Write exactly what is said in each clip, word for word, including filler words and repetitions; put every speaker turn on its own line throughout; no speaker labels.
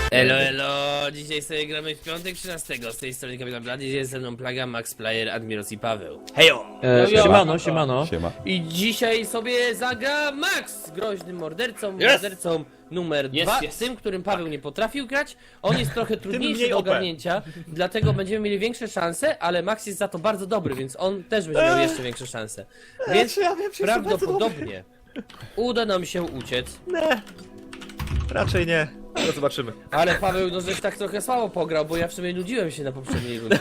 Elo, elo, dzisiaj sobie gramy w piątek trzynastego, z tej strony Kapitan Blady, dzisiaj jest ze mną Plaga, Max Player, Admiros i Paweł. Hejo!
E, siemano, siemano.
Siema.
I dzisiaj sobie zagra Max, groźnym mordercą,
Yes!
mordercą numer
Jest,
dwa,
jest.
tym, którym Paweł nie potrafił grać. On jest trochę trudniejszy
mniej
do
O P.
ogarnięcia, dlatego będziemy mieli większe szanse, ale Max jest za to bardzo dobry, więc on też będzie miał jeszcze większe szanse. Więc
ja wiem, że jestem bardzo
prawdopodobnie uda nam się uciec.
Nie. Raczej nie. No zobaczymy.
Ale Paweł, no żeś tak trochę słabo pograł, bo ja w sumie nudziłem się na poprzedniej rundzie.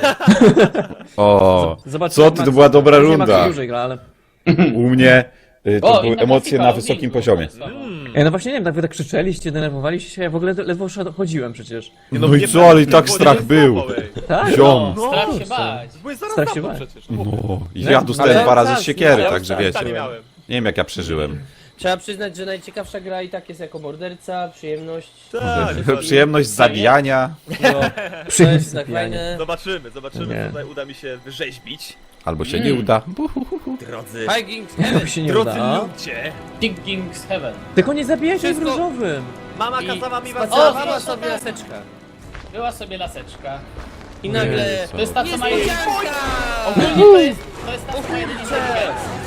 O,
Zobaczmy,
co
jak
ty,
Max-
to była dobra
nie Max
runda.
dłużej gra, ale...
U mnie y, to
O,
były
inna
emocje
grafika,
na
o,
wysokim
pięknie.
poziomie.
Ej, no właśnie nie wiem, tak wy tak krzyczeliście, denerwowaliście się, ja w ogóle ledwo szedł- chodziłem przecież.
No i co, ale i tak strach był.
Tak?
Ziom.
No,
Strach się bać.
byłeś zaraz
Strach
za
się
mną
bać.
przecież.
No, i ja dostałem
Ale
dwa razy
tak,
z siekiery,
ja
także
tak,
wiecie.
nie miałem.
Nie wiem jak ja przeżyłem.
Trzeba przyznać, że najciekawsza gra i tak jest jako morderca, przyjemność.
Tak,
Przyjemność zabijania,
No, to
Przyjemność
jest tak
zabijania.
fajne.
Zobaczymy, zobaczymy,
Nie.
co tutaj uda mi się wyrzeźbić.
albo się nie uda.
Drodzy,
Hiking,
Jak się nie
drodzy
uda. a?
ludzie.
King King's Heaven.
Tylko nie zabijajcie w
Wszystko-
różowym.
Mama
I
kazała mi was
spacerowała
zabić.
sobie laseczka.
Była sobie laseczka.
I nagle...
To jest ta, co ma jej...
Niespodzianka!
Ogólnie to jest, to jest ta, co ma jedynie inteligencję.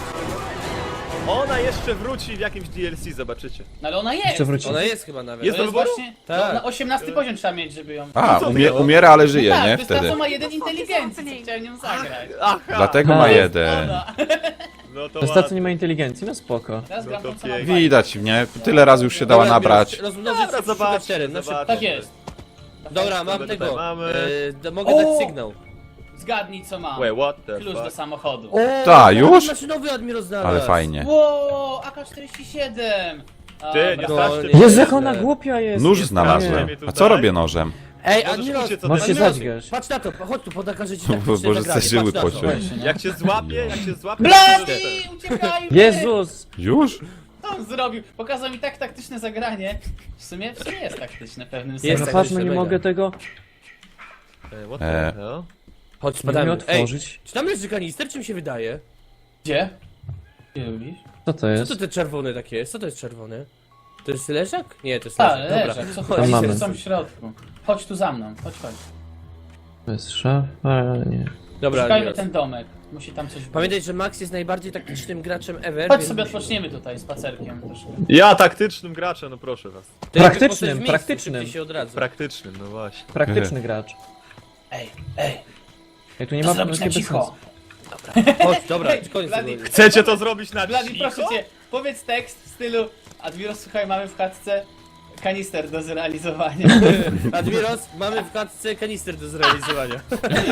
Ona jeszcze wróci w jakimś D L C, zobaczycie.
No ale ona jest.
Jeszcze wróci.
Ona jest chyba nawet.
Jest
To
do
jest
wyboru?
właśnie...
Tak.
No, na osiemnasty poziom trzeba mieć, żeby ją...
A,
co ty
umie,
gadasz?
umiera, ale żyje,
tak,
nie?
to jest ta,
Wtedy.
co ma jeden inteligencji, co chciałem nią zagrać.
Aha,
Dlatego
A,
ma
jest
jeden.
Ona.
no to
To jest ta, co
ładnie.
nie ma inteligencji, no spoko.
Teraz
No
gram
to
tą, co ma
pięknie.
dwa.
Widać mnie, tyle razy już się dała
Dobra,
nabrać.
Admiros, Rozmnożyć
Dobra,
się
zobaczmy,
czterem, na szybko.
zobaczmy.
Tak jest.
Dobra, mam
Tutaj
tego.
mamy.
E, d- mogę
O!
dać sygnał.
Zgadnij, co mam.
Wait, what the
Klucz do
fuck?
samochodu.
O,
Ta, już?
maszynowy Admiros znalazł.
Ale fajnie.
Wow, A K czterdzieści siedem.
Ty, nie
No,
straszcie
nie.
mnie.
Jezu, jak ona głupia jest.
Nóż
Nie,
znalazłem.
nie.
A co robię nożem?
Ej,
Możesz
Admiros,
uciec od
Możesz się
Admiros,
zadźgać.
patrz na to, chodź tu, pokażę ci
Bo-
taktyczne
Boże,
zagranie,
zażyły
patrz na to.
pociąć.
Jak cię złapie, jak cię złapie...
Blady, uciekajmy!
Jezus!
Już?
Co on zrobił? Pokazał mi tak taktyczne zagranie. W sumie, w sumie jest taktyczne w pewnym
Jest
sensie.
No
tak,
patrz, no
jeszcze
nie
mega.
mogę tego...
Ej, what
E.
the hell?
Chodź,
Nie umiem
spadamy. Ej,
otworzyć.
czy tam leży kanister, czym się wydaje?
Gdzie? Gdzie lubisz?
Co to
Co
jest?
to te czerwone takie jest? Co to jest czerwone? To jest leżak? Nie, to jest
Tak,
leżak, dobra.
leżak. Co
Chodź,
chodzi?
mamy.
Są w środku. Chodź tu za mną, chodź, chodź.
To jest szafa, nie.
Dobra,
Szukajmy
Admiros.
ten domek. Musi tam coś być.
Pamiętaj, że Max jest najbardziej taktycznym graczem ever.
Chodź
więc
sobie
musi-
odpoczniemy tutaj spacerkiem troszkę.
Ja taktycznym graczem, no proszę was.
To jakby
Praktycznym,
postać w miejscu,
praktycznym.
szybciej się odradza.
Praktycznym, no właśnie.
Praktyczny gracz.
Ej, ej,
Ej, tu nie
to
ma
zrobić na
bez
cicho.
sensu.
Chodź, dobra, koniec
Blady,
tego.
Chcecie to zrobić na
Blady,
cicho?
proszę cię, powiedz tekst w stylu Admiros, słuchaj, mamy w chatce kanister do zrealizowania.
Admiros, mamy w klatce kanister do zrealizowania.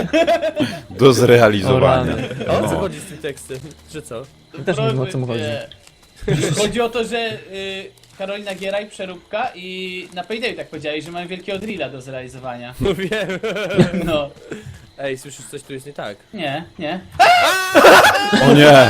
Do
O
zrealizowania.
rany.
A o co
No.
chodzi z tym tekstem? Że co?
Też nie wiem, o co mu chodzi.
Proszę cię. Chodzi o to, że y, Karolina Gieraj, przeróbka i na Paydayu tak powiedziałeś, że mamy wielkiego drilla do zrealizowania.
No wiem.
No,
Ej, słyszysz, coś tu jest nie tak.
nie, nie.
O nie!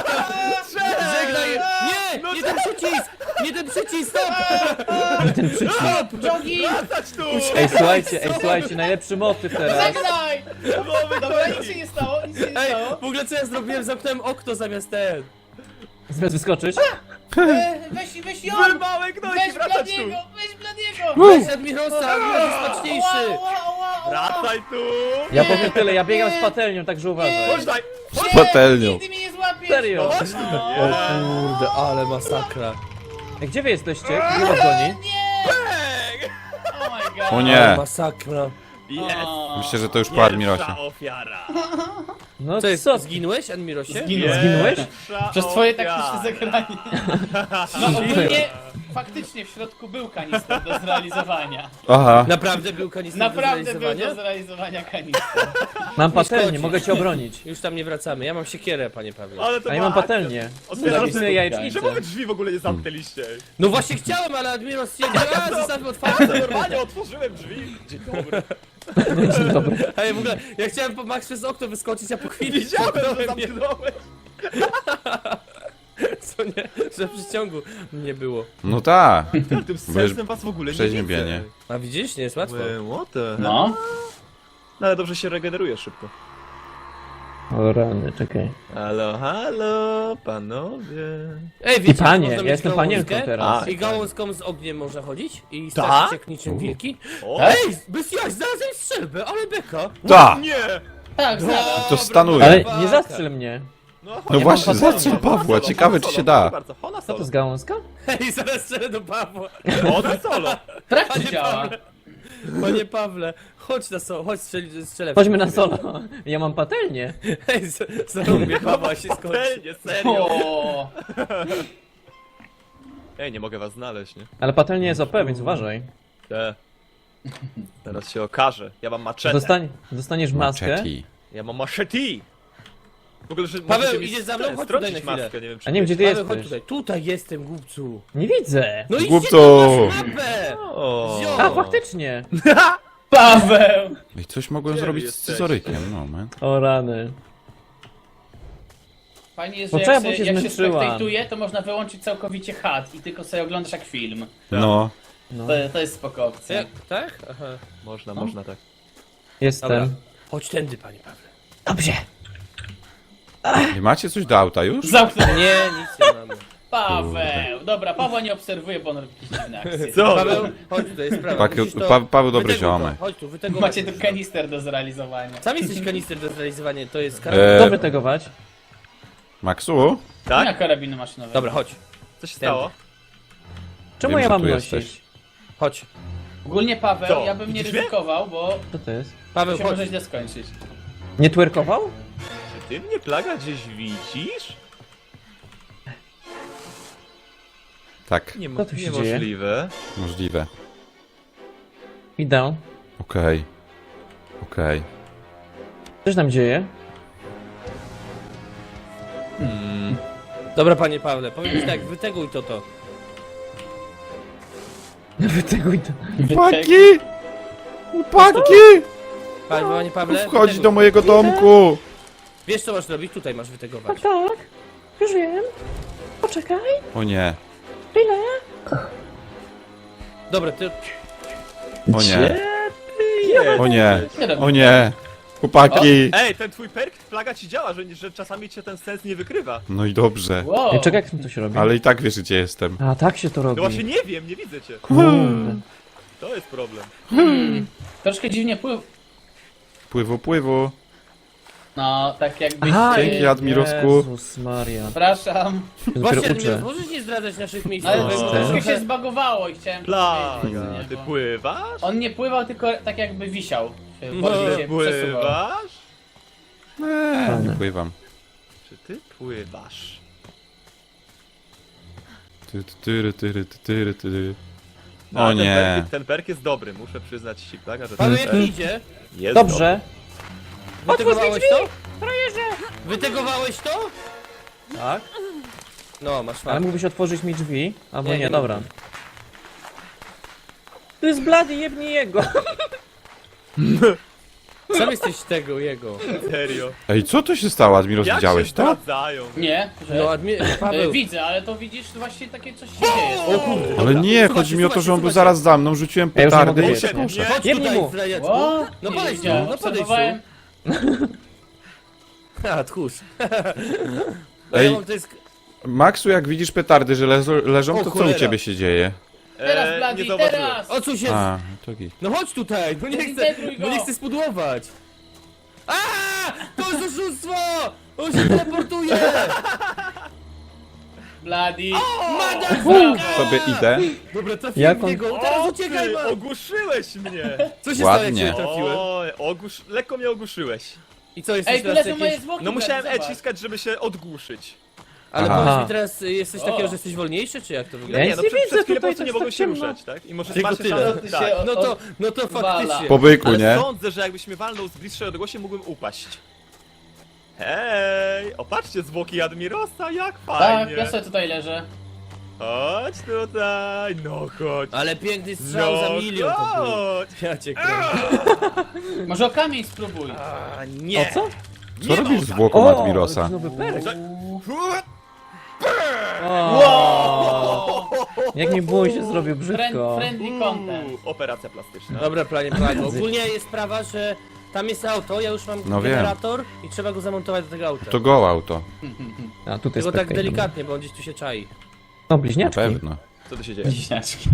Żegnaj! Nie! Nie ten przycisk! Nie ten przycisk! Stop!
Ten przycisk.
Jogi!
Wracać tu!
Ej, słuchajcie, ej, słuchajcie, najlepszy motyw teraz.
Żegnaj! Dobra, nic się nie stało, nic się nie
Ej,
stało.
w ogóle co ja zrobiłem? Zamknąłem okno zamiast ten.
Zamiast wyskoczyć?
E, weź, weź ją!
Wyrwałek nogi,
Weź
wracać tu!
Bladiego, weź Bladiego!
Weź Admirosa, Admiros jest smaczniejszy.
Ła, ła, ła, ła.
Wracaj tu!
Ja powiem tyle, ja biegam z patelnią, także uważaj.
Chodź daj!
Z patelnią.
Nigdy mnie nie złapiesz!
Serio?
Chodź tu!
O kurde, ale masakra.
Ej, gdzie wy jesteście? Gdzie was goni?
Nie! Oh my god.
O
Ale
nie!
masakra.
Jest!
O.
Myślę, że to już po Admirosie.
Pierwsza ofiara!
No
Co jest,
co?
zginłeś, Admirosie?
Zginąłem.
Zginąłeś?
Pierwsza
Przez twoje
ofiara.
taktyczne zagranie. No ogólnie, faktycznie w środku był kanister do zrealizowania.
Aha.
Naprawdę był kanister
Naprawdę
do
był
zrealizowania?
do zrealizowania kanister.
Mam
szkodzi.
patelnię, mogę cię obronić.
Już tam nie wracamy, ja mam siekierę, panie Pawle.
Ale to
A ja
była
mam
akcja.
patelnię.
Otwieram
Zabijmy
te-
jajecznicę.
Czemu wy drzwi w ogóle nie zamknęliście?
No właśnie chciałem, ale Admiros stwierdził, a zostawmy
Ja
otwarte.
normalnie otworzyłem drzwi. Dzień dobry.
Dzień dobry.
Ej, w ogóle, ja chciałem po Max przez okno wyskoczyć, a po chwili
Widziałem, że
zamknąłem je.
zamknąłeś.
Co nie, że w przyciągu nie było.
No tak.
Tym sensem was w ogóle nie
Przeziębienie.
widzę.
A widzisz, nie jest łatwo.
Well, what the hell?
No.
No ale dobrze się regeneruje szybko.
O rany, czekaj.
Halo, halo, panowie.
Ej, wiecie,
I panie,
można
ja
mieć
jestem
gałązkę?
panienką teraz.
A,
I gałązką z ogniem można chodzić? I
Tak?
straszyć jak niczym wilki?
O,
Ej, bez jaj, znalazłem strzelbę, ale beka.
Ta!
nie!
Tak, znalazł.
To stanuje.
Ale
Baka.
nie zastrzel mnie.
No,
No właśnie,
mam
zastrzel
patelnię.
Pawła, ciekawe czy się da.
Co to z gałązka?
Hej, zaraz strzelę do Pawła.
Ona solo.
Sprawdź, czy
Panie
działa.
Pawle, Panie Pawle, chodź na so, chodź strzel, strzelę. w
Chodźmy
ciebie.
na solo. Ja mam patelnię.
Hej, z- zarąbię Pawła się skończy.
Patelnie, serio.
O,
Ej, nie mogę was znaleźć, nie?
Ale patelnia jest O P, więc uważaj.
Te. Teraz się okaże. Ja mam maczetę.
Dostań, dostaniesz maskę.
Maczeti.
Ja mam machete. W ogóle, że
Paweł,
możecie mi
idziesz za mną?
st-
Chodź
strącić
tutaj na chwilę.
maskę, nie wiem czy
A nie wiem, gdzie ty
Paweł, chodź
jesteś.
tutaj. Tutaj jestem, głupcu.
Nie widzę.
No i
Głupcu.
gdzie ty masz mapę?
O.
Zio.
A, faktycznie.
Paweł!
I coś mogłem
Gdzie wy
zrobić z
jesteście?
scyzorykiem, no man.
O rany.
Fajnie jest,
No
że
co ja,
jak,
bo
się,
się
jak się
zmęczyłam.
spektatuje, to można wyłączyć całkowicie H U D i tylko sobie oglądasz jak film.
No.
No.
To, to jest spoko opcja.
Ja, tak? Aha.
Można,
No.
można tak.
Dobra.
Jestem.
Chodź tędy, panie Pawle.
Dobrze.
Nie macie coś do auta już?
Zamknę.
Nie, nic nie mamy.
Paweł! Dobra, Pawła nie obserwuję, bo on robi jakieś dziwne akcje.
Co?
Paweł, chodź tutaj, jest sprawa.
Paweł-
Musisz to-
Pa- Paweł dobry
wyteguj to.
ziomek.
Chodź tu, wyteguj.
Macie tu kanister do zrealizowania.
Sam jesteś kanister do zrealizowania, to jest
E,
karabin.
Dobrze tegować.
Maxu?
Tak?
Tak?
Na karabinu maszynowego.
Dobra, chodź.
Co się stało?
Czemu
Wiem,
ja
że
mam
tu
nosić?
jesteś.
Chodź.
Ogólnie Paweł,
Co?
ja bym nie
Widzisz mnie?
ryzykował, bo
Co to jest?
Paweł,
to się
chodź.
może źle skończyć.
Nie twerkował?
Czy ty mnie, Plaga, gdzieś widzisz?
Tak,
Nie,
Co tu się
niemożliwe.
możliwe.
Idę.
Okej. Okej.
Co się tam dzieje?
Dobra, panie Pawle, powiem ci tak, wyteguj to to.
Wyteguj to.
Chłopaki! Chłopaki!
Panie, panie Pawle,
Wchodź
wyteguj.
do mojego domku!
Wiesz co masz robić? Tutaj masz wytegować.
tak. Już wiem. Poczekaj.
O nie,
Chwilę.
Dobra, ty...
o nie,
Nie.
o nie,
Nie robię.
o nie! Chłopaki!
Ej, ten twój perk, Plaga, ci działa, że, że czasami cię ten sens nie wykrywa.
No i dobrze.
Wow.
Ej, czekaj, jak to się robi?
Ale i tak wiesz gdzie jestem.
A, tak się to
No
robi.
właśnie nie wiem, nie widzę cię.
Kurde.
To jest problem.
Troszkę dziwnie pływ.
Pływu, pływu.
No, tak jakbyś...
Aha,
się-
Dzięki, Admirosku.
Jezus Maria.
Przepraszam.
Ja dopiero
Właśnie,
uczę.
Admiros, możesz nie zdradzać naszych miejsc.
Ale
No.
to troszkę się zbagowało i chciałem...
Plaga,
powiedzieć, nie,
ty
bo-
pływasz?
On nie pływał, tylko tak jakby wisiał. Się
No,
bardziej
Ty
się przesuwał.
pływasz?
Eee, nie pływam.
Czy ty pływasz?
Ty, ty, tyry, tyry, ty, tyry, tyry.
No,
O
ten
nie.
Perk, ten perk jest dobry, muszę przyznać ci, Plaga, że
Paweł,
ten
jak
perk
idzie?
jest
Dobrze.
Wytegowałeś to? Wytegowałeś to?
Tak.
No, masz
Ale
fakt.
mógłbyś otworzyć mi drzwi? Albo
Nie,
nie,
nie
dobra. To jest blady, jebnij jego.
Sam jesteś tego, jego.
dobry. Serio.
Ej, co to się stało, Admiros?
Jak
Widziałeś
się
to?
zdradzają?
Nie, że...
No, admi...
E,
Paweł.
widzę, ale to widzisz, właśnie takie coś się dzieje.
O kurde.
Ale
dobra.
nie,
Słuchajcie,
chodzi mi o to, że on był
słuchajcie,
zaraz za mną, rzuciłem
Ja już nie
petardy
mogę
i się
jeść,
poszedł.
Chodź
Jebnij
tutaj,
mu.
zdradziaczku.
O,
No
nie
podejdź tu,
wiedziałem,
no podejdź tu.
obserwowałem.
A, tchórz.
Ej.
Ja mam to jest...
Maxu, jak widzisz petardy, że leżą, leżą
O,
to co u
cholera.
ciebie się dzieje?
Teraz,
Eee,
Bladi,
nie zauważyłem.
teraz!
O co się...
A, to git.
No chodź tutaj, no nie chcę,
Zintegruj go.
no nie chcę spudłować. A, to jest oszustwo! On się teleportuje!
Bladi.
Motherfucker!
Sobie idę.
Dobra, trafiłem
Jak
w
on-
niego, teraz
O,
uciekaj,
ty,
man!
ogłuszyłeś mnie!
Co się stało, jak
Ładnie.
cię trafiłem?
O, ogłusz... lekko mnie ogłuszyłeś.
I co, jesteś
Ej, tu
teraz
leżą moje
jakieś...
zwłoki.
No musiałem
Bladi,
E
zobacz.
ciskać, żeby się odgłuszyć.
Ale
Aha.
powiedz mi teraz, y, jesteś
O.
takiego, że jesteś wolniejszy, czy jak to
Ja
wygląda?
nic
nie, no
nie
przed,
widzę
przed chwilą po
tutaj,
prostu
to
nie
jest
mogłem
tak
się
ciemno.
ruszać, tak? I może
Tylko
macie
tyle.
szansę...
To się
Tak.
od-
No to, no to
Wala.
faktycznie.
Po byku,
Ale
nie?
sądzę, że jakbyś mnie walnął z bliższej odległości, mógłbym upaść. Hej! Opatrzcie zwłoki Admirosa, jak
Tak,
fajnie!
ja sobie tutaj leżę.
Chodź tutaj, no chodź.
Ale piękny strzał
No
za milion to był.
chodź.
Ja cię kręcę.
Może o kamień spróbuj.
A, nie.
O co?
Co robisz z zwłoką Admirosa?
nowy perk.
Uuu.
O, jak mi bój się zrobił
Friend,
brzydko.
friendly content.
Uuu, operacja plastyczna.
Dobra, planie, planie. Ogólnie jest sprawa, że tam jest auto, ja już mam
No wiem.
generator i trzeba go zamontować do tego auta.
To go auto.
A tutaj
Tylko
jest
tak
Pekka.
delikatnie, bo on gdzieś tu się czai.
No,
Na
bliźniaczki.
pewno.
Co tu się dzieje?
Bliźniaczki.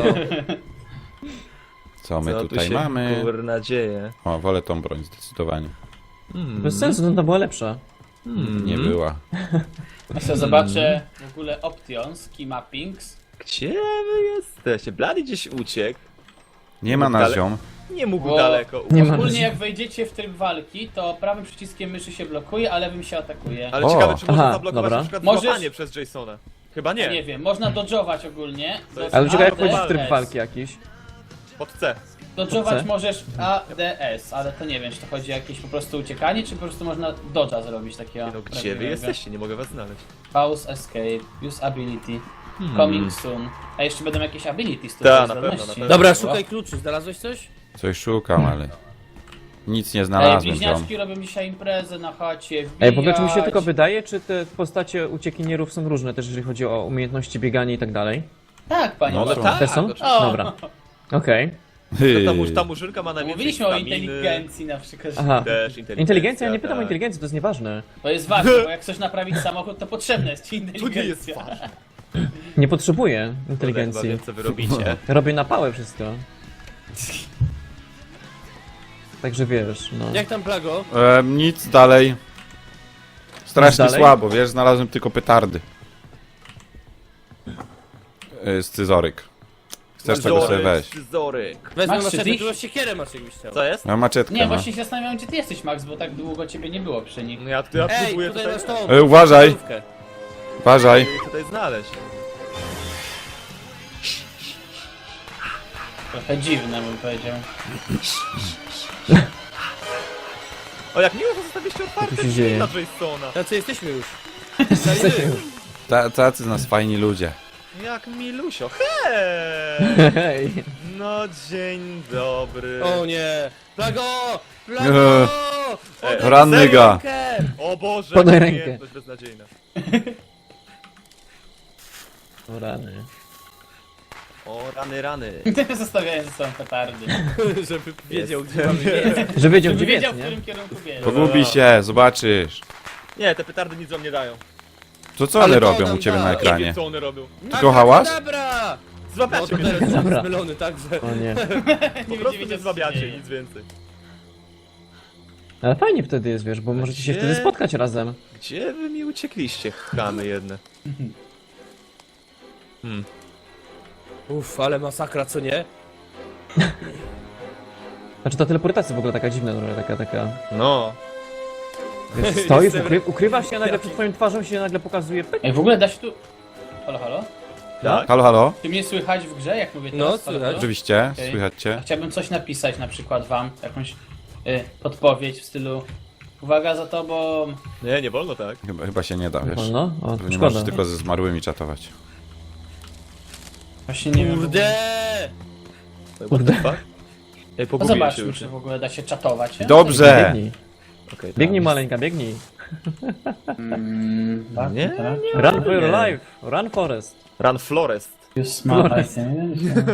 Co my
Co tu
tutaj
się
mamy?
kurna dzieje?
O, wolę tą broń zdecydowanie.
Bez sensu, to była lepsza.
Nie była.
Ja sobie zobaczę w ogóle options, key mappings.
Gdzie wy jesteście? Blady gdzieś uciekł.
Nie ma na ziom.
Nie mógł
Bo-
daleko
Nie
uciec.
ma.
Ogólnie jak wejdziecie w tryb walki, to prawym przyciskiem myszy się blokuje, a lewym się atakuje.
Ale
O,
ciekawe, czy można
aha,
zablokować
dobra.
na przykład
Możesz-
złapanie przez Jasona. Chyba
Nie.
nie.
nie wiem, można dodżować ogólnie.
To jest-
do
Ale czekaj, jak
A D S.
wchodzisz w tryb walki jakiś.
Pod C.
Dodżować
C?
możesz A D S, ale to nie wiem, czy to chodzi o jakieś po prostu uciekanie, czy po prostu można dodża zrobić takiego.
No gdzie wy
prawdziwego.
jesteście? Nie mogę was znaleźć.
Pause, escape, use ability,
Hmm.
coming soon. A jeszcze będą jakieś abilities tu.
Ta,
do
na pewno,
zdolności.
na pewno.
Dobra,
O.
szukaj kluczy, znalazłeś coś?
Coś szukam, ale... Nic nie
Ej,
znalazłem, ziom.
bliźniaczki robią dzisiaj imprezę na chacie,
Ej, w ogóle czy mi się
wbijać.
tylko wydaje, czy te postacie uciekinierów są różne też, jeżeli chodzi o umiejętności biegania i tak dalej?
Tak, panie.
No,
No
są.
tak,
Też są?
oczywiście.
O,
Dobra. Okej.
Hy.
To ta, murz- ta murzynka ma najwięcej
Mówiliśmy o
staminy.
inteligencji na przykład. że
Aha.
Też inteligencja.
Inteligencja? Ja nie pytam o
tak.
inteligencję, to jest nieważne.
To jest ważne, bo jak chcesz naprawić samochód, to potrzebna jest ci
To nie jest
inteligencja.
ważne.
Nie potrzebuję
Chyba
inteligencji.
wiem, co wy robicie.
Robię na pałę wszystko. Także wiesz, no.
Jak tam Plago?
E, nic dalej. Strasznie
Nic dalej?
słabo, wiesz, znalazłem tylko petardy. E, Scyzoryk. Chcesz tego sobie weź.
Scyzoryk.
Wezmę
Masz
maczetę,
trzy
tu siekierę masz jakbyś chciał.
Co jest?
Ja maczetkę
Nie,
mam.
właśnie się zastanawiam, gdzie ty jesteś, Max, bo tak długo ciebie nie było przy nich.
No ja, ja
Ej,
próbuję
tutaj
tutaj,
masz tą...
E, uważaj.
starówkę.
Uważaj.
tutaj znaleźć.
Trochę dziwne, bym powiedział.
O, jak miło, że zostawiliście otwarte
Co tu się
drzwi
dzieje?
na Jasona.
Tacy jesteśmy już.
Ta, tacy z nas fajni ludzie.
Jak milusio. Hej!
Hej.
No dzień dobry.
O nie! Plago! Plago!
Eee.
Ej,
Ranny
serio?
ga.
Rękę!
O Boże,
Podaj
jaka
rękę.
umiejętność beznadziejna.
O rany.
O, rany, rany.
Zostawiałem ze sobą petardy.
Żeby wiedział,
Jest.
gdzie mamy biec.
Że wiedział,
Żeby
gdzie
wiedział,
biec,
w
nie?
którym kierunku biec.
Pogubi się, zobaczysz.
Nie, te petardy nic wam nie dają.
To co
Ale
one
to
robią
nam
u ciebie
da.
na
Nie
Nie
ekranie?
wiem, co one robią.
Tylko hałas?
Dobra! No
Złapiacie
to
mnie
teraz
teraz.
jestem
Dobra.
zmylony, także...
O nie.
Po
Nie
prostu
będzie
mnie
wiedział, co
złapiacie,
dzieje.
nic więcej.
Ale fajnie wtedy jest, wiesz, bo możecie się
Gdzie?
wtedy spotkać razem.
Gdzie wy mi uciekliście, chamy jedne?
Uff, ale masakra, co nie?
Znaczy ta teleportacja w ogóle taka dziwna, trochę taka, taka...
No.
Wiesz, stoisz,
Jestem-
ukry, ukrywasz się, a nagle przed twoją twarzą się nagle pokazuje... pyk.
Ej, w ogóle da się tu... Halo, halo?
Tak?
Halo, halo?
Czy mnie słychać w grze, jak mówię
No,
teraz? Halo,
słychać.
halo?
Oczywiście,
Okej.
słychać cię.
Chciałbym coś napisać, na przykład wam, jakąś y, podpowiedź w stylu uwaga za tobą.
Nie, nie wolno tak.
Chyba, chyba się nie da, wiesz.
No, o,
Że nie
szkoda.
możesz tylko ze zmarłymi czatować.
Właśnie nie wiem.
Kurde!
What the fuck? Ej,
No
pogubiłem się
zobaczmy,
już.
czy w ogóle da się czatować. nie?
Dobrze!
Biegnij,
Okay,
biegnij maleńka, biegnij.
Mm, tak,
Nie,
tak.
Run for your
Nie.
life, run forest.
Run Florest.
Use smart
Flores.
item.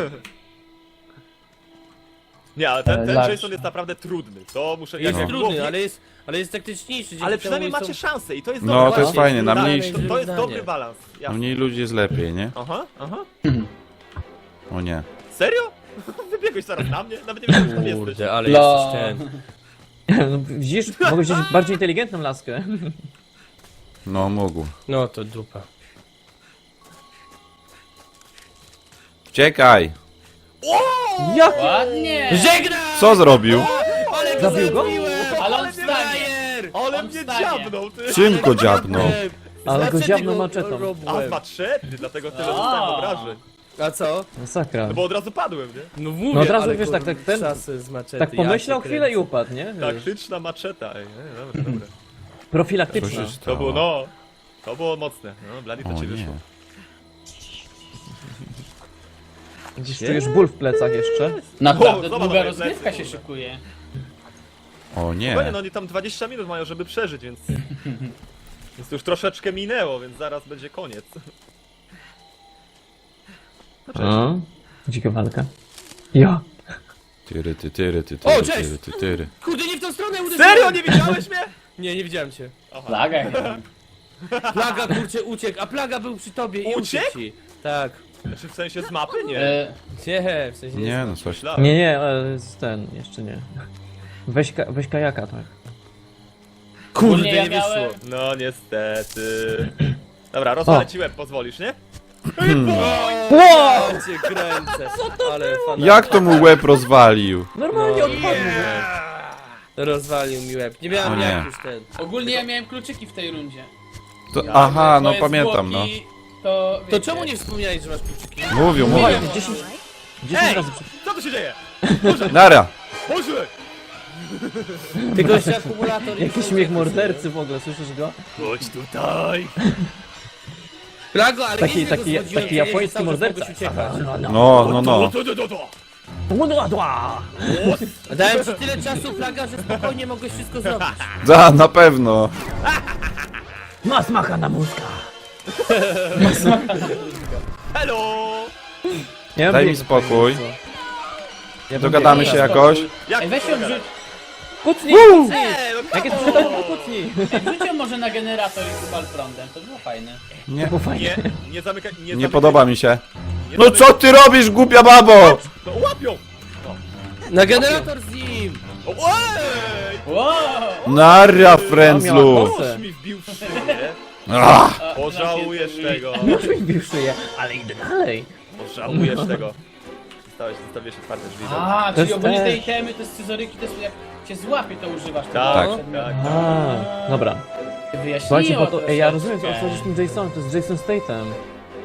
Nie, ale ten, ten
Large.
Jason jest naprawdę trudny. To muszę...
Jest
jak
trudny,
głowie-
ale jest, ale jest taktyczniejszy. dzięki
Ale
temu
przynajmniej
są-
macie szansę i to jest
No,
dobry
to jest
balans.
fajnie, na
Tak,
mniej-
To, to jest
zdanie.
dobry balans.
U
Jasne.
mniej ludzi jest lepiej, nie?
Aha, aha.
O nie.
Serio? Wybiegłeś zaraz na mnie? Nawet nie wiem, czy tam jesteś.
Kurde, ale
Lo.
jesteś ten.
No, widzisz, mogę wziąć bardziej inteligentną laskę.
No, mógł.
No to dupa.
Uciekaj!
Jak?
Ładnie!
Żegnam!
Co zrobił?
Ale go
Zabił go?
zabiłem!
Ale on
mnie
wstanie.
frajer!
Ale
On
mnie
wstanie.
dziabnął, ty!
Czym go dziabnął?
Ale go
Znaczy,
dziabnął
tego
maczetą.
robiłem.
A, z maczety, dlatego tyle
A.
dostałem obrażeń.
A co?
Masakra.
No bo od razu padłem, nie?
No mówię,
No od razu,
ale
wiesz, tak-
kurde,
tak ten-
czasy z maczety,
Tak pomyślał
ja cię
chwilę i
kręcę.
upadł, nie? Wiesz,
Taktyczna maczeta, ej, nie, dobra, dobra.
Co
profilaktyczna.
się
To
stało?
było, no... To było mocne, no, Blady to
O
ci
nie.
wyszło.
Gdzieś czujesz ból w plecach jeszcze.
Naprawdę
O, zobacz,
długa
moje
rozgrywka
plecy,
się
kurde.
szykuje.
O nie.
Spokojnie, no oni tam dwadzieścia minut mają, żeby przeżyć, więc... Więc to już troszeczkę minęło, więc zaraz będzie koniec. No cześć.
O, dzika walka. Ja.
Tyry, ty, tyry, ty,
O,
tyry,
cześć!
tyry, ty, tyry.
Kurde, nie w tą stronę uderzyłem!
Serio, nie widziałeś mnie?
Nie, nie widziałem cię.
Plaga.
Plaga, kurczę, uciekł, a Plaga był przy tobie i
Uciekł?
uciekł ci. Tak.
Znaczy w sensie z mapy? Nie.
E,
Nie, w sensie
Nie no, coś.
Myślałem.
Nie, nie, ale z ten, jeszcze nie. Weź, ka weź kajaka, tak.
Kurde,
Ogólnie ja
nie
miałem-
wyszło.
No niestety. Dobra, rozwalę ci łeb, pozwolisz, nie?
Wow! Cię kręcę. Ale fan.
Jak to mu łeb rozwalił?
Normalnie
No,
odpadł.
Rozwalił mi łeb. Nie miałem
O nie.
jak już ten.
ogólnie ja miałem kluczyki w tej rundzie.
To, aha, no
Moje
pamiętam, no.
zwłoki, To,
To
wiecie,
czemu nie wspomniałeś, że masz kluczyki?
Mówią, mówią.
Właśnie, dziesięć, dziesięć
Ej!
razy przy...
Co tu się dzieje?
Nara!
Boże!
Tylko jeszcze akumulator. i
Jakiś
są-
śmiech mordercy w ogóle, słyszysz go?
Chodź tutaj!
Plago, ale
Taki,
nieźle go
taki,
zwodziłem,
taki
że nie, że
japoński
cały czas
morderca.
mogłeś uciekać.
No, no, no.
To, to, to, to.
Dałem ci tyle czasu, Plaga, że spokojnie mogłeś wszystko zrobić.
Da, na pewno.
Ma smacha na mózga.
Hello!
Ja
Daj mi
biegł,
spokój.
co? Ja bym
Dogadamy
biegł.
się jakoś?
Jak
Ej, weź ją wrzuć,
Kucnij!
Ej, no
Jak jest
come
sprzedać,
on!
to kucnij!
ej, wrzuć ją może na generator i kupal prądem, to było fajne.
Nie,
Było fajnie.
Nie, nie zamykaj, nie
nie
zamykaj.
podoba mi się.
Nie
No
zamykaj.
co ty robisz, głupia babo?
No łapią!
Na generator z nim!
O, ej!
Wow!
Nara, frędzlu.
Nóż mi wbił w szyję.
Ach,
A,
Pożałujesz
na
tego.
Już mi wbił szyję, ale idę dalej.
Pożałujesz tego. Zostałeś, zostawiłeś otwarte drzwi.
A,
To
czyli
jest
ogólnie te
też.
itemy, te scyzoryki, to jest jak cię złapie, to używasz tego.
Tak,
przedmiotu.
tak.
A, dobra.
Wyjaśniło
Słuchajcie, bo to, ej, ja rozumiem, co
troszeczkę.
o co chodzi z tym Jasonem, to jest Jason Statham.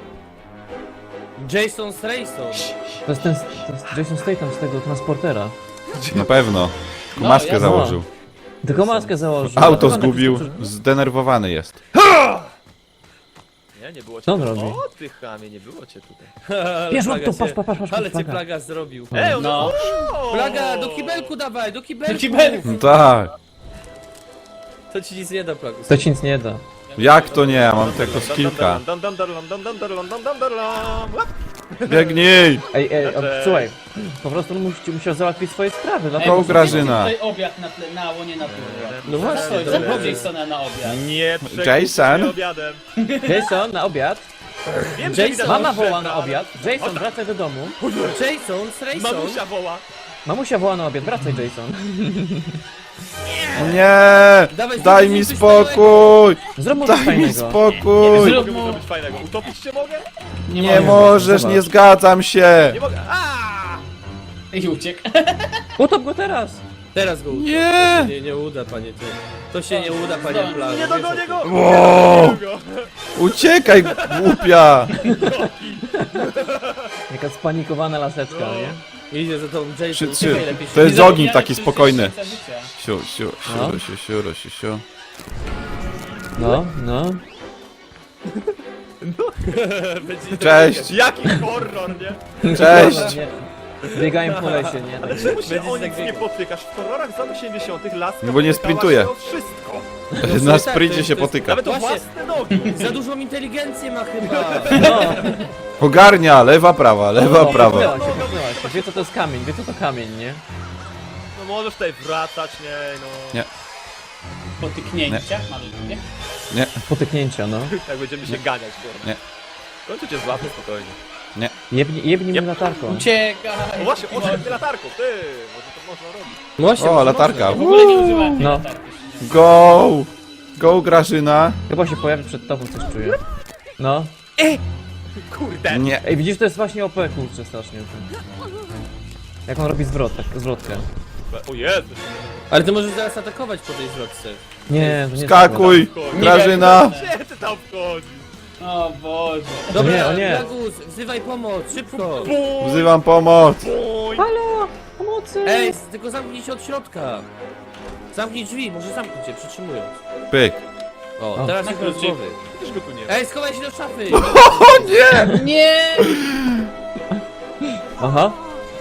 Jason Strayson.
To jest ten, to jest Jason Statham z tego transportera.
na pewno.
No,
Maskę
ja-
założył.
Tylko maskę założył.
Auto
Dlatego on
zgubił.
taki-
Zdenerwowany jest.
Nie, nie było cię
Co on
tu.
robi?
O, ty chamie, nie było cię tutaj.
Bierz
Plaga
to,
cię-
patrz, patrz, patrz, patrz,
Ale cię
plaga.
Plaga zrobił.
Ej, on
No.
o!
Plaga, do kibelku dawaj, do kibelku!
Do kibelku.
No tak.
To ci nic nie da, Plagu.
To ci nic nie da.
Jak to nie? Ja mam tylko skillka.
Dam, dam, dam, dam, dam, dam, dam, dam, dam, dam, dam. Łap!
Biegnij!
Ej, ej, o,
Znaczy-
słuchaj, po prostu on musi, musiał załatwić swoje sprawy,
Ej,
dlatego...
To
muszę
Grażyna.
zjeść tutaj obiad na, tle, na łonie natury.
No właśnie,
Co,
to
co
było
było Jasona na obiad?
Nie przekup
Jason?
się obiadem.
Jason, na obiad.
Wiem, że
Jason,
widać,
Mama
że
woła
szefra,
na
ale-
obiad. Jason, wracaj do domu.
Jason Strayson.
Mamusia woła.
Mamusia woła na obiad, wracaj Jason.
Nie!
Dawaj,
Daj
zrób
mi
coś
spokój!
Zrób mu coś
Daj mi
fajnego.
spokój!
Co mogę mu zrobić fajnego? Utopić cię mogę?
Nie możesz, nie zgadzam się!
Nie mogę. Aaaa!
I uciekł.
Utop go teraz.
Teraz go uda.
Nie!
To się nie, nie uda, panie ty. To się nie uda, panie
Zdąży.
Plagu.
Nie dogonię go!
Wow!
Nie go.
Uciekaj, głupia!
Jaka spanikowana laseczka, nie?
Idzie za tą Jason.
Trzy, trzy.
Uciekaj lepiej.
To jest
Nie
ogień
zapomniałem,
taki
że
spokojny.
jest jeszcze życia.
Siu, siu,
No.
siu, siu, siu, siu, siu.
No, no.
Będzie-
Cześć!
Jaki horror, nie?
Cześć!
Nie. Biegają po lesie, nie?
Ale
Tak.
czemu się
Będziesz
o nic
tak
nie
biegał.
potykasz? W horrorach z lat osiemdziesiątych laska
No bo nie
potykała
sprintuje.
się o wszystko.
Na
tak,
sprincie
to jest-
się
to jest-
potyka.
Nawet o
Właśnie.
własne nogi.
Za dużą inteligencję ma chyba.
No.
Ogarnia, lewa, prawa, lewa,
O,
prawa.
popchnęła się, popchnęła się. Wie co to jest kamień, wie co to kamień, nie?
No możesz tutaj wracać, nie no.
Nie.
Potyknięcia malutkie.
Nie,
Potyknięcia, no.
Jak będziemy się ganiać, kurwa.
Nie.
W końcu cię złapię spokojnie.
Jebnij, jebnij
Jeb-
mnie latarką.
Uciekaj.
No właśnie, oczek ty latarką, ty! Może to można robić.
Właśnie,
o, latarka.
W ogóle nie używałem tej
No.
latarki.
Go! Go, Grażyna!
Chyba się pojawi przed tobą, coś czuję. No.
Kurde!
Nie.
Ej, widzisz, to jest właśnie O P, kurczę, strasznie. Jak on robi zwrot, tak, zwrotkę.
O Jezu!
Ale ty możesz zaraz atakować po tej zwrotce.
Nie, to nie
Skakuj! Grażyna!
Gdzie ty tam wchodzisz?
O Boże.
Dobra,
nie, o nie.
Plagus, wzywaj pomoc, szybko.
Wzywam pomoc!
Bój!
Halo! Pomocy!
Ej, tylko zamknij się od środka. Zamknij drzwi, może zamknij cię, przytrzymując.
Pyk!
O,
O.
teraz
Na
tylko z
kluczyk.
głowy.
Przecież go tu nie ma.
Ej, schowaj się do szafy.
O nie!
Nie!
Aha.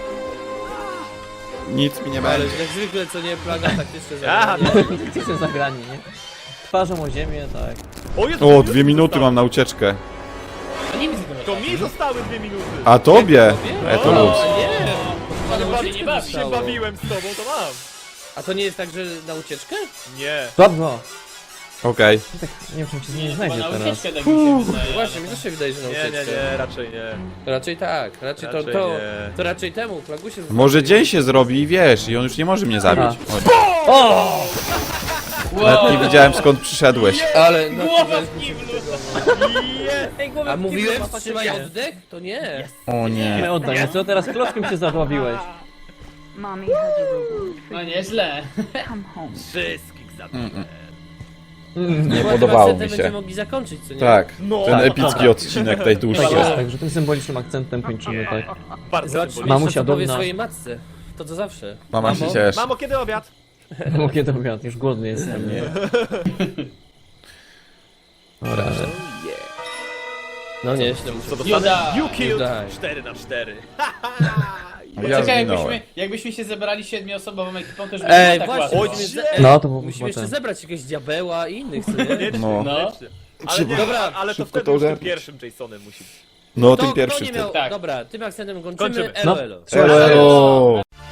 Nic mi nie
Ale
będzie.
jak zwykle, co nie, Plaga taktyczne
Aha,
zagranie.
Jesteście zagrani, nie? Twarzą o ziemię, tak.
O Jezu!
O, dwie minuty mam na ucieczkę.
Nie widzę tego.
To mi zostały dwie minuty.
A tobie?
Tobie?
E, to
No.
luz.
A nie!
Ale
na
bawi-
ucieczkę
nie bawi.
się
zostało.
bawiłem z tobą, to mam.
A to nie jest tak, że na ucieczkę?
Nie.
Słabo.
Okej.
Tak, nie wiem, czy się nie
Chyba
znajdzie
na
teraz.
ucieczkę tak mi się wydaje.
Właśnie,
ale
mi
no.
też się wydaje, że na
Nie,
ucieczkę.
nie, nie, raczej nie.
To raczej tak, raczej,
Raczej
to, to,
nie.
to raczej temu, Plagusie
Może dzień się zrobi i wiesz, i on już nie może mnie zabić. Oj,
O!
nawet nie wiedziałem skąd przyszedłeś.
Ale no,
Głowa w kiblu!
a mówiłem wstrzymaj oddech? To nie.
O nie.
Nie oddaj, co teraz klockiem się zadławiłeś?
Mommy has a reward for
No nieźle.
come home.
Wszystkich zabiłem.
Nie
Chyba
podobało
tym
mi
akcentem będziemy
się.
mogli zakończyć, co nie?
Tak,
No.
ten epicki odcinek najdłuższy.
Tak jest, także tym symbolicznym akcentem kończymy, tak.
Bardzo
Zobacz,
symbolicznie.
Mamusia
co powie
dumna.
swojej matce. To co zawsze.
Mama się
Mamo?
cieszy.
Mamo, kiedy obiad?
Bo kiedy obiad, już głodny jestem, nie? Dobra, że...
No nieźle, muszę...
Co
You
dostanę?
die.
You killed
You die.
cztery na cztery.
Ja
Czekaj,
zginąłem.
jakbyśmy, jakbyśmy się zebrali siedmioosobową ekipą, to już by
Ej,
było tak
właśnie,
łatwo.
musimy,
Oj,
ze...
No, to byłoby
musimy
chyba
jeszcze
ten.
zebrać jakiegoś diabeła i innych, co nie?
Koniecznie,
No.
koniecznie. Ale,
Trzeba
nie,
Dobra,
ale to
szybko
wtedy
to
już tym
ogarnąć.
pierwszym Jasonem musi być.
No,
Kto-
tym
kto
pierwszym.
nie miał...
Tak.
Dobra, tym akcentem kończymy.
Kończymy.
Elo,
No.
elo.
Elo, elo.